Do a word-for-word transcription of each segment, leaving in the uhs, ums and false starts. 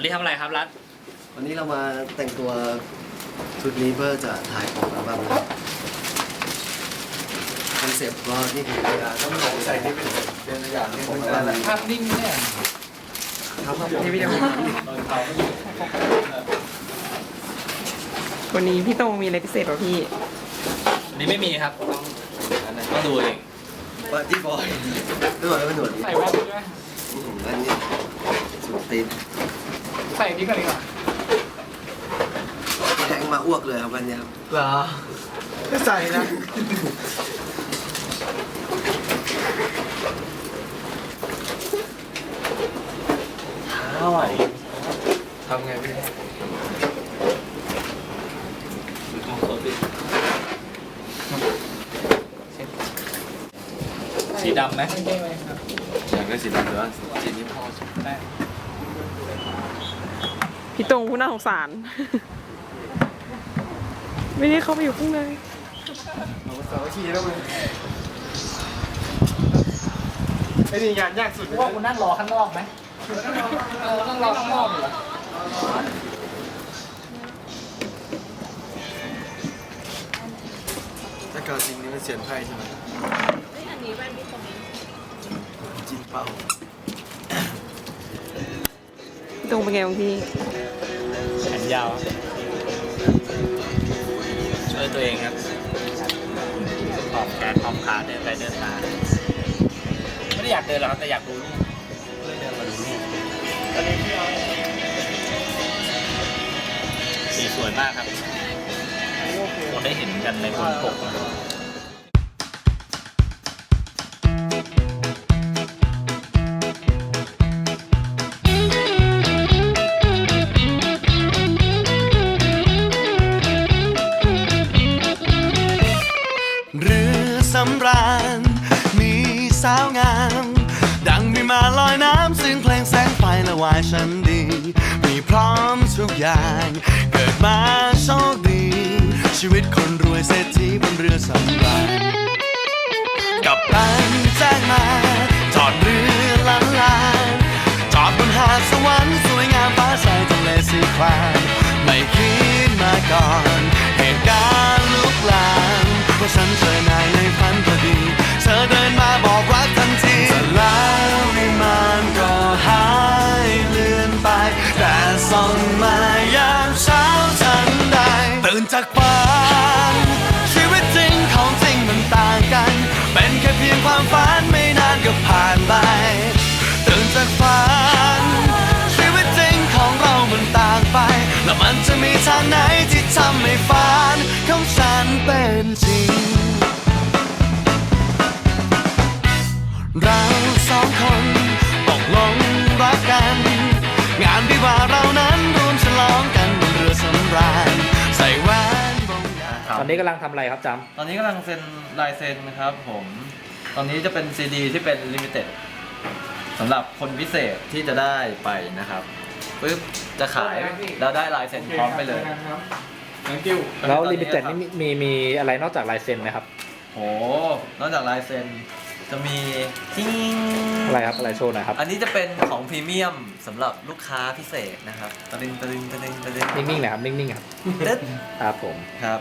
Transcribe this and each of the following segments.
นี้ทำอะไรครับรัฐวันนี้เรามาแต่งตัวชุดนี้เพื่อจะถ่ายของอัลบั้มนะครับคอนเซ็ปต์ก็นี่คือต้องใส่ที่เป็นเป็นตัวอย่างที่ของอัลบั้มภาพนิ่งเนี่ยครับนี่ไม่ได้มาวันนี้พี่โตมีอะไรพิเศษป่ะพี่วันนี้ไม่มีครับต้องดูเองว่าที่บอยไม่บอกแล้วเป็นหนวดใส่แว่นด้วยอันนี้สุดตีนใส่นี้ก่อนดีกว่าแทงมาอ้วกเลยครับวันนี้ครับเหรอไม่ใส่นะอร่อยทำไงพี่สีดำไหมอยากได้สีดำหรือว่าสีนี้พอได้พี่โตงผู้น่าสงสารไม่ได้เข้าไปอยู่ข้างในเอาสาวขี้แล้วมึงไอ้นี่งานยากสุดว่าคุณนั่งรอข้างนอกไหมเออนั่งรอข้างนอกเหรอถ้าเกิดจริงนี่มันเสียนไพ่ใช่ไหมเฮ้ยอันนี้แว่นพี่ตรงนี้จิ้มเป้าพี่โตงเป็นไงบางพี่แขนยาวช่วยตัวเองครับขอบแขนขอบขาเดินไปเดินมาไม่ได้อยากเดินหรอกครับแต่อยากดูรูปเลยเดินมาดูรูปสีสวยมากครับเราได้เห็นกันในบนปกเรือสำราญมีสาวงามดังมีมาลอยน้ำซึ่งเพลงแสงไฟละวายฉันดีมีพร้อมทุกอย่างเกิดมาโชคดีชีวิตคนรวยเศรษฐีบนเรือสำราญกับตันแจ้งมาจอดเรือลันลาจอดบนหาดสวรรค์สวยงามฟ้าใสทะเลสีครามไม่คิดมาก่อนเหตุการณ์ลุกลามเพราะฉันเจอนายในฝันพอดีเธอเดินมาบอกรักทันทีแต่แล้ววิมานก็หายเลือนไปแต่ส่องมายามเช้าฉันได้ตื่นจากฝันชีวิตจริงของจริงมันต่างกันเป็นแค่เพียงความฝันไม่นานก็ผ่านไปตื่นจากฝันชีวิตจริงของเรามันต่างไปแล้วมันจะมีทางไหนที่ทำให้ฝันของฉันเป็นจริงเราสองคนตกลงรักกันงานวิวาเรานั้นรวมฉลองกันบนเรือสำราญใส่แหวนวงยาตอนนี้กำลังทำอะไรครับจำตอนนี้กำลังเซ็นลายเซ็นนะครับผมตอนนี้จะเป็นซีดีที่เป็นลิมิเต็ดสำหรับคนพิเศษที่จะได้ไปนะครับปึ๊บจะขายแล้วได้ลายเซ็นพร้อมไปเลยแล้วลิมิเต็ดนี่มีมีอะไรนอกจากลายเซ็นไหมครับโหนอกจากลายเซ็นจะมีจิ้งอะไรครับอะไรโชว์หน่อยครับอันนี้จะเป็นของพรีเมียมสำหรับลูกค้าพิเศษนะครับตะลึงตะลึงตะลึงตะลึงนิ่งๆนะครับนิ่งๆครับครับผมครับ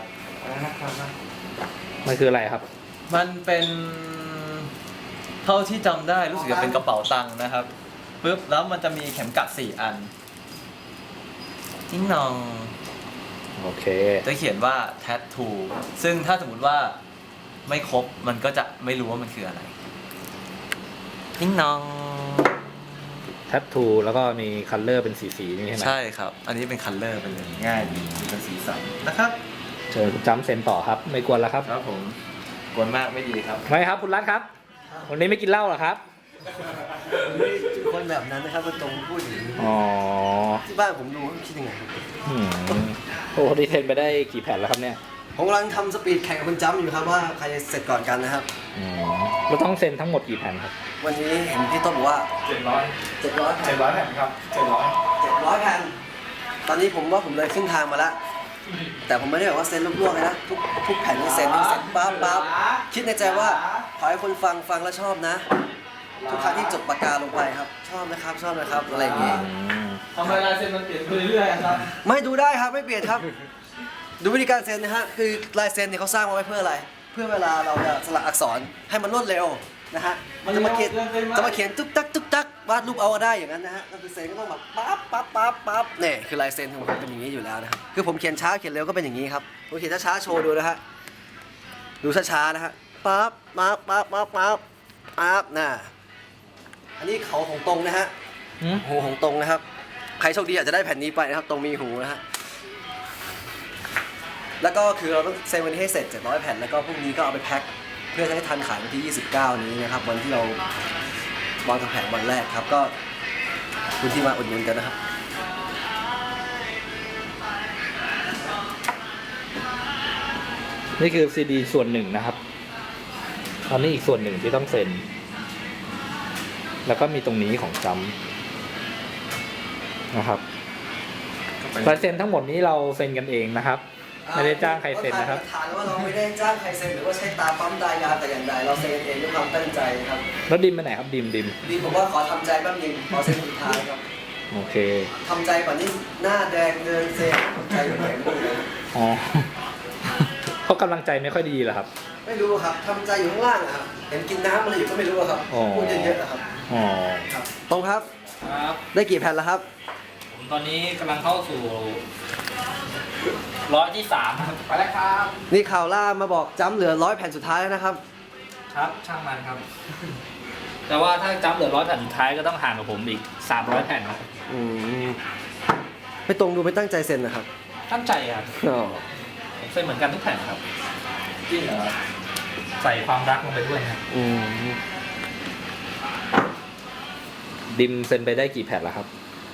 มันคืออะไรครับมันเป็นเท่าที่จำได้รู้สึกจะเป็นกระเป๋าตังค์นะครับปึ๊บแล้วมันจะมีเข็มกัดสี่อันจิ้งนองโอเคจะเขียนว่า tattoo ซึ่งถ้าสมมุติว่าไม่ครบมันก็จะไม่รู้ว่ามันคืออะไรจิ้งนองแทททูแล้วก็มีคัลเลอร์เป็นสีๆนี่ใช่ไหมใช่ครับอันนี้เป็นคัลเลอร์ไปเลยง่ายดีเป็นสีสันนะครับเชิญคุณจำเซ็นต่อครับไม่กวนแล้วครับครับผมกวนมากไม่ดีครับไม่ครับคุณรัฐครับวันนี้ไม่กินเหล้าหรอครับคนแบบนั้นนะครับเป็นตรงพูดอย่างนี้อ๋อที่บ้านผมดูคิดยังไงโอ้โหดีเทนไปได้กี่แผ่นแล้วครับเนี่ยผมกำลังทำสปีดแข่งกับคุณจ้ำอยู่ครับว่าใครจะเสร็จก่อนกันนะครับเราต้องเซ็นทั้งหมดกี่แผ่นครับวันนี้เห็นพี่ต้นบอกว่าเจ็ดร้อยเจ็ดร้อยเจ็ดร้อยแผ่นครับเจ็ดร้อยเจ็ดร้อยแผ่นตอนนี้ผมว่าผมเลยครึ่งทางมาแล้วแต่ผมไม่ได้แบบว่าเซ็นลวกๆเลยนะทุกทุกแผ่นที่เซ็นนี่เซ็นปั๊บปั๊บคิดในใจว่าขอให้คนฟังฟังแล้วชอบนะทุกครั้งที่จบปากกาลงไปครับชอบนะครับชอบนะครับอะไรอย่างเงี้ยทำไมลายเซ็นมันเปลี่ยนไปเรื่อยๆครับไม่ดูได้ครับไม่เปลี่ยนครับ ดูวิธีการเซ็นนะฮะคือลายเซ็นเนี่ยเขาสร้างมาไว้เพื่ออะไร เพื่อเวลาเราจะสลักอักษรให้มันรวดเร็วนะฮะจะมาเขียนจะมาเขียนตุ๊กตักตุ๊กตักวาดรูปเอาก็ได้อย่างนั้นนะฮะก็คือเซ็นก็ต้องแบบปั๊บปั๊บปั๊บปั๊บเนี่ยคือลายเซ็นของผมเป็นอย่างนี้อยู่แล้วนะครับคือผมเขียนช้าเขียนเร็วก็เป็นอย่างนี้ครับผมเขียนช้าๆโชว์ดูนะฮะดูช้าๆนะฮะปั๊บปั๊บปั๊บปั๊บปั๊บปั๊บน่ะอันนี้เขาของตรงนะฮะหูของตรงนะครับใครโชคดีอาจจะได้แผ่นนี้ไปนะครับตรงมีหูนะฮะแล้วก็คือเราต้องเซ็นวันนี้ให้เสร็จเจ็ดร้อยแผ่นแล้วก็พรุ่งนี้ก็เอาไปแพ็คเพื่อจะให้ทันขายวันที่ยี่สิบเก้านี้นะครับวันที่เราวางทางแผงวันแรกครับก็คุณที่มาอุดหนุนกันนะครับนี่คือซีดีส่วนหนึ่งนะครับตอนนี้อีกส่วนหนึ่งที่ต้องเซ็น แล้วก็มีตรงนี้ของจำนะครับลายเซ็นทั้งหมดนี้เราเซ็นกันเองนะครับ ไม่ได้จ้างใครเซ็นนะครับฐานว่าเราไม่ได้จ้างใครเซ็นหรือว่าใช้ตาปั๊มตายาแต่อย่างใดเราเซ็นเองด้วยความตั้งใจครับแล้วดิมไปไหนครับดิมดิมดีผมว่าขอทำใจแป๊บนึงขอเซ็นสุดท้ายครับโอเคทำใจก่อนนี้หน้าแดงเดินเซ็นทำใจอยู่ไหนไม่รู้เลยอ๋อ เขากำลังใจไม่ค่อยดีเหรอครับไม่รู้ครับทำใจอยู่ข้างล่างอะครับเห็นกินน้ำอะไรอยู่ก็ไม่รู้อะครับอ๋อพูดเยอะๆอะครับอ๋อครับตรงครับครับได้กี่แผ่นแล้วครับผมตอนนี้กำลังเข้าสู่ร้อยที่สามครับไปแล้วครับนี่ข่าวล่ามาบอกจ้ำเหลือร้อยแผ่นสุดท้ายแล้วนะครับครับช่างมันครับ แต่ว่าถ้าจำเหลือร้อยแผ่นสุดท้ายก็ต้องห่างกับผมอีกสามร้อยแผ่นครับอืมไม่ตรงดูไม่ตั้งใจเซ็นนะครับตั้งใจครับอ๋อผมเซ็นเหมือนกันทุกแผ่นครับจริงเหรอใส่ความรักลงไปด้วยครับอืมดิมเซ็นไปได้กี่แผ่นแล้วครับ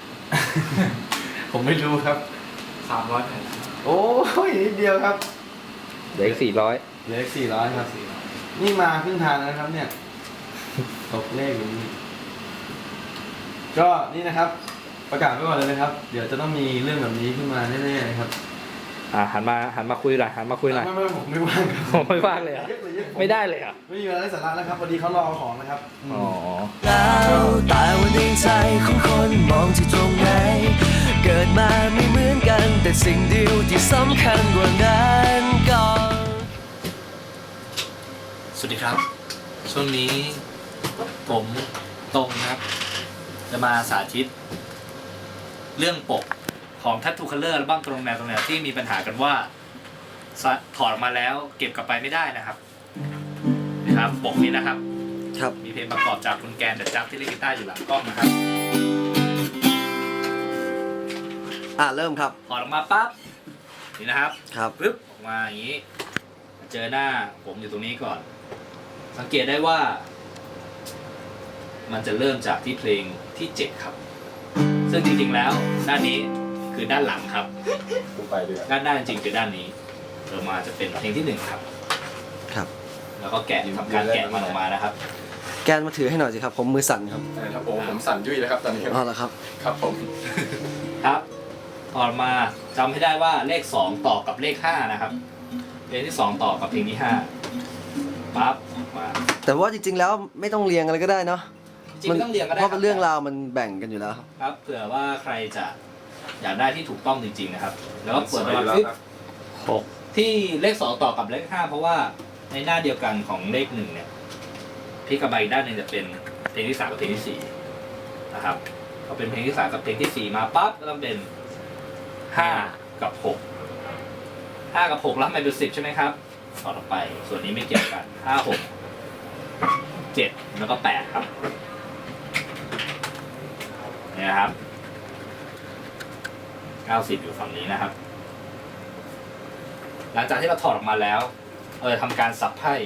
ผมไม่รู้ครับสามร้อยแผ่นโอ้ยนิดเดียวครับเหลืออีกสี่ร้อยเหลือสี่ร้อยครับ นี่มาครึ่งทางแล้วนะครับเนี่ย ตกเลขอยู่นี่ก็นี่นะครับ ประกาศไว้ก่อนเลยนะครับ เดี๋ยวจะต้องมีเรื่องแบบนี้ขึ้นมาแน่ๆนะครับอ่าหันมาหันมาคุยหน่อยหันมาคุยหน่อยไม่ไม่ผมไม่ว่างครับผมไม่ว่างเลยเหรอเยอะเลยเยอะผมไม่ได้เลยเหรอ่ะไม่มีเวลาได้สาระแล้วครับพอดีเขารอเอาของนะครับมอ๋อแล้วแต่ว่าในใจของคนมองที่ตรงไหน เกิดมาไม่เหมือนกัน แต่สิ่งเดียวที่สำคัญกว่านั้นก็สวัสดีครับ ช่วงนี้ผมตรงครับ จะมาสาธิต เรื่องปกของ Tattoo Color อัลบั้มตรงแนวตรงแนวที่มีปัญหากันว่าถอดออกมาแล้วเก็บกลับไปไม่ได้นะครับนะครับปกนี้นะครับครับมีเพลงประกอบจากคุณแกนเดอะจักที่เล่นกีตาร์อยู่หลังกล้องนะครับอ่าเริ่มครับถอดออกมาปั๊บนี่นะครับครับปึ๊บออกมาอย่างนี้ เจอหน้าผมอยู่ตรงนี้ก่อน สังเกตได้ว่า มันจะเริ่มจากที่เพลงที่เจ็ดครับ ซึ่งจริงๆแล้วด้านนี้คือด้านหลังครับไปเลยด้านหน้าจริงๆคือด้านนี้เริ่มมาจะเป็นเพลงที่หนึ่งครับครับแล้วก็แกะทำการแกะมันออกมานะครับแกนมาถือให้หน่อยสิครับ ผมมือสั่นครับครับผมผมสั่นยุ่ยแล้วครับตอนนี้อ๋อเหรอครับครับผมครับถอดมาจำให้ได้ว่าเลขสองต่อกับเลขห้านะครับเพลงที่สองต่อกับเพลงที่ห้าปั๊บมาแต่ว่าจริงๆแล้วไม่ต้องเรียงอะไรก็ได้เนาะจริงๆไม่ต้องเรียงก็ได้เพราะเป็นเรื่องคบราวมันแบ่งกันอยู่แล้วครับครับเผื่อว่าใครจะอยากได้ที่ถูกต้องจริงๆนะครับ แล้วก็เปิดมาปึ๊บหกที่เลขสองต่อกับเลขห้าเพราะว่าในหน้าเดียวกันของเลขหนึ่งเนี่ยพี่กระบายด้านหนึ่งจะเป็นเพลงที่สามกับเพลงที่สี่นะครับก็เป็นเพลงที่สามกับเพลงที่สี่มาปั๊บก็ต้องเป็นห้ากับหกห้ากับหกแล้วมันเป็นสิบใช่ไหมครับต่อต่อไปส่วนนี้ไม่เกี่ยวกันห้าหกเจ็ดแล้วก็แปดครับเนี่ยนะครับเก้าสิบอยู่ฝั่งนี้นะครับ หลังจากที่เราถอดออกมาแล้วเราจะทำการสับไพ่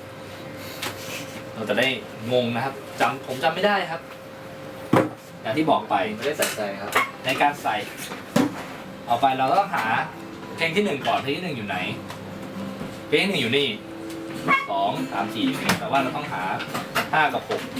เราจะได้งงนะครับจำผมจำไม่ได้ครับ อย่างที่บอกไปไม่ได้ใส่ใจครับในการใส่เอาไปเราต้องหาเพลงที่หนึ่งก่อนเพลงที่หนึ่งอยู่ไหน เพลงที่หนึ่งอยู่นี่สองสามสี่อยู่นี่แต่ว่าเราต้องหาห้ากับหก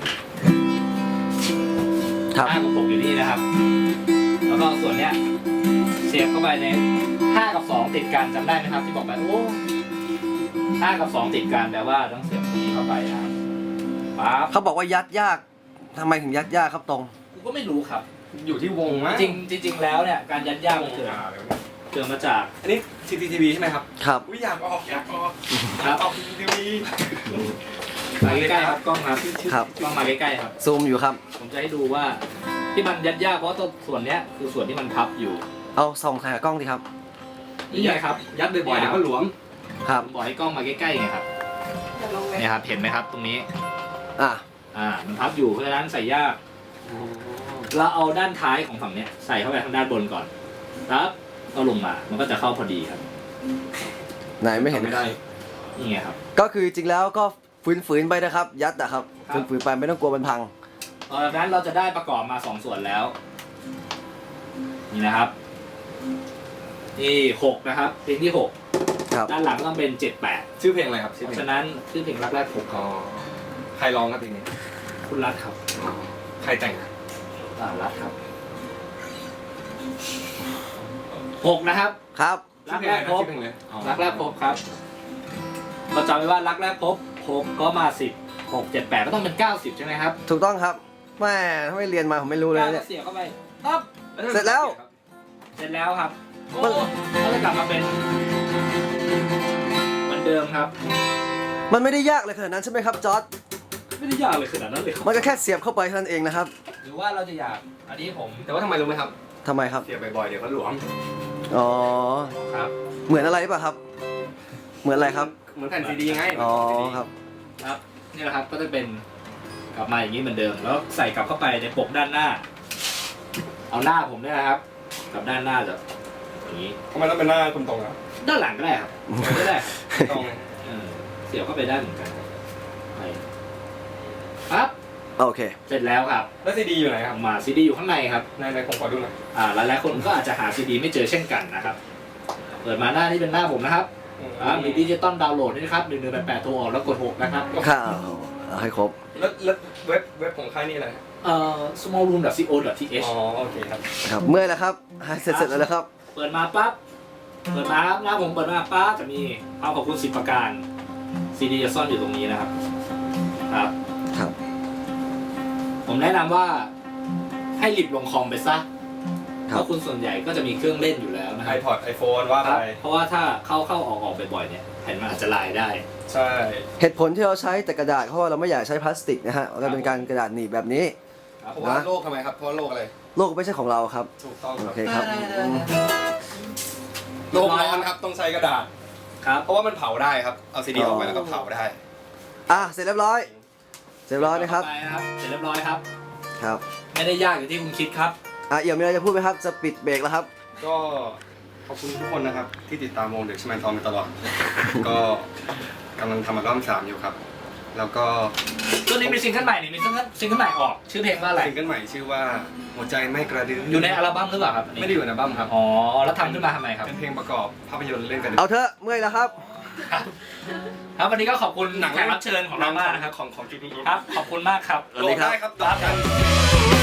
ครับห้ากับหกอยู่นี่นะครับ แล้วก็ส่วนเนี้ยเสียบเข้าไปในห้ากับสองติดกันจำได้ไหมครับ ที่บอกไปโอ้ห้ากับสองติดกันแปลว่าต้องเสียบนี้เข้าไปนะครับปั๊บเขาบอกว่ายัดยากทำไมถึงยัดยากครับตรงกูก็ไม่รู้ครับอยู่ที่วงมั้ยจริงจริง ๆ แล้วเนี่ยการยัดย่ามันเกิดเกิดมาจากอันนี้ ซี ซี ที วี ใช่ไหมครับครับอุ้ยอยากออกอยากออกครับออก ซี ซี ที วีมาใกล้ๆครับกล้องครับครับกล้องมาใกล้ๆครับซูมอยู่ครับผมจะให้ดูว่าที่มันยัดยากเพราะว่าตัวส่วนเนี้ยคือส่วนที่มันพับอยู่เอาส่องขากล้องดิครับนี่ไงครับยัดบ่อยๆเดี๋ยวก็หลวมครับผมบอกให้กล้องมาใกล้ๆไงครับเนี่ยครับเห็นไหมครับตรงนี้อ่ะอ่ามันพับอยู่เพราะฉะนั้นใส่ยากเราเอาด้านท้ายของฝั่งเนี้ยใส่เข้าไปทางด้านบนก่อนครับก็ลงมามันก็จะเข้าพอดีครับไหนไม่เห็นไม่ได้นี่ไงครับก็คือจริงแล้วก็ฝืนๆไปนะครับ ยัดอะครับครับฝืนๆไปไม่ต้องกลัวมันพังตอนนั้นเราจะได้ประกอบมาสองส่วนแล้ว นี่นะครับนี่หกนะครับเพลงที่หกครับด้านหลังต้องเป็นเจ็ดแปดชื่อเพลงอะไรครับชื่อเพเพลงราะฉะนั้นชื่อเพลงรักแรกพบอ๋อใครร้องครับเพลงนี้คุณรัฐครับอ๋อใครแต่งอ่ารัฐครับหกนะครับครับรักแรกพบชื่อเพลงอะไรอ๋อรักแรกพบครับเราจำไว้ว่ารักแรกพบหกก็มาสิบหกเจ็ดแปดก็ต้องเป็นเก้าสิบใช่ไหมครับถูกต้องครับแม่ถ้าไม่เรียนมาผมไม่รู้เลยเก้าเนี่ยเสียเข้าไปปั๊บเสร็จแล้วเสร็จแล้วครับโอ้ก็จะกลับมาเป็นเหมือนเดิมครับมันไม่ได้ยากเลยขนาดนั้นใช่ไหมครับจอร์ดไม่ได้ยากเลยขนาดนั้นเลยครับมันก็แค่เสียบเข้าไปเท่านั้นเองนะครับหรือว่าเราจะอยากอันนี้ผมแต่ว่าทำไมรู้ไหมครับทำไมครับเสียบบ่อยๆเดี๋ยวก็หลวมอ๋อครับเหมือนอะไรป่ะครับ เหมือนอะไรครับเหมือนแผ่นซีดีไงอ๋อครับครับนี่แหละครับก็จะเป็นกลับมาอย่างนี้เหมือนเดิม แล้วใส่กลับเข้าไปในปกด้านหน้า เอาหน้าผมเนี่ยนะครับกับด้านหน้าจะอย่างนี้ทำไมต้องเป็นหน้าคุณตรงครับด้านหลังก็ได้ครับก็ได้ตรงเออเสียบเข้าไปได้เหมือนกันไปครับโอเคเสร็จแล้วครับแล้วซีดีอยู่ไหนคอรัอบ กมาซีดีอยู่ข้างในครับในในผมขอดูหน่อยอ่าหลายๆคนก็อาจจะหาซีดีไม่เจอเช่นกันนะครับเปิดมาหน้านี้เป็นหน้าผมนะครับอ่ามีดิจิตอลดาวน์โหลดด้วยนะครับหนึ่งหนึ่งแปดแปดโทรออกแล้วกดหกนะครับข้าวเอาให้ครบแล้วแล้วเว็บเว็บของค่ายนี่อะไรเอ่อ small room ดอท ซี โอ ดอท ที เอชอ๋อโอเคครับครับ เมื่อยแล้วครับเสร็จเสร็จแล้วนะครับเปิดมาปั๊บ เปิดมาครับหน้าผมเปิดมาปั๊บจะมีภาพขอบคุณสิบประการ ซีดีจะซ่อนอยู่ตรงนี้นะครับ ครับครับผมแนะนำว่าให้หลิบลงคอมไปซะ เพครับราะคุณส่วนใหญ่ก็จะมีเครื่องเล่นอยู่แล้วนะคไอรับพอดไอโฟนว่าคไปรับ เพราะว่าถ้าเข้าเข้าออกออกบ่อยๆเนี่ยแผ่นมันอาจจะลายได้ใช่เหตุผลที่เราใช้แต่กระดาษเพราะว่าเราไม่อยากใช้พลาสติกนะฮะเราเป็นการกระดาษหนีบแบบนี้ครับเพราะว่าโลกทำไมครับเพราะว่าโลกอะไรโลกไม่ใช่ของเราครับถูกต้องคโอรับเคครับอืมโลกร้อนครับต้องใช้กระดาษครับเพราะว่ามันเผาได้ครับเอาซีดีออกไปแล้วก็เผาได้อ่ะเสร็จเรียบร้อย เสร็จเรียบร้อยนะครับไปนะครับ เสร็จเรียบร้อยครับครับไม่ได้ยากอย่างที่คุณคิดครับอ่ะเอี่ยมมีอะไรจะพูดไหมครับ จะปิดเบรกแล้วครับก็ขอบคุณทุกคนนะครับ ที่ติดตามวงเด็กชแมนทอมมาตลอด ก็กำลังทำอัลบั้มสามอยู่ครับ แล้วก็ตัวนี้มีซิงเกิลใหม่นี่มีซิงเกิลซิงเกิลใหม่ออก ชื่อเพลงว่าอะไรซิงเกิลใหม่ชื่อว่าหัวใจไม่กระดื้อออยู่ในอัลบั้มหรือเปล่าครับนนี้ไม่ได้อยู่ในอัลบั้มครับอ๋อ แล้วทำขึ้นมาทำไมครับเป็นเพลงประกอบภาพยนตร์เรื่องกระดื้เอาเถอะเมื่อยแล้วครับครับวันนี้ก็ขอบคุณแขกรับเชิญของเรามากนะครับของของ จี พีครับ ขอบคุณมากครับสวัสดีครับได้ครับ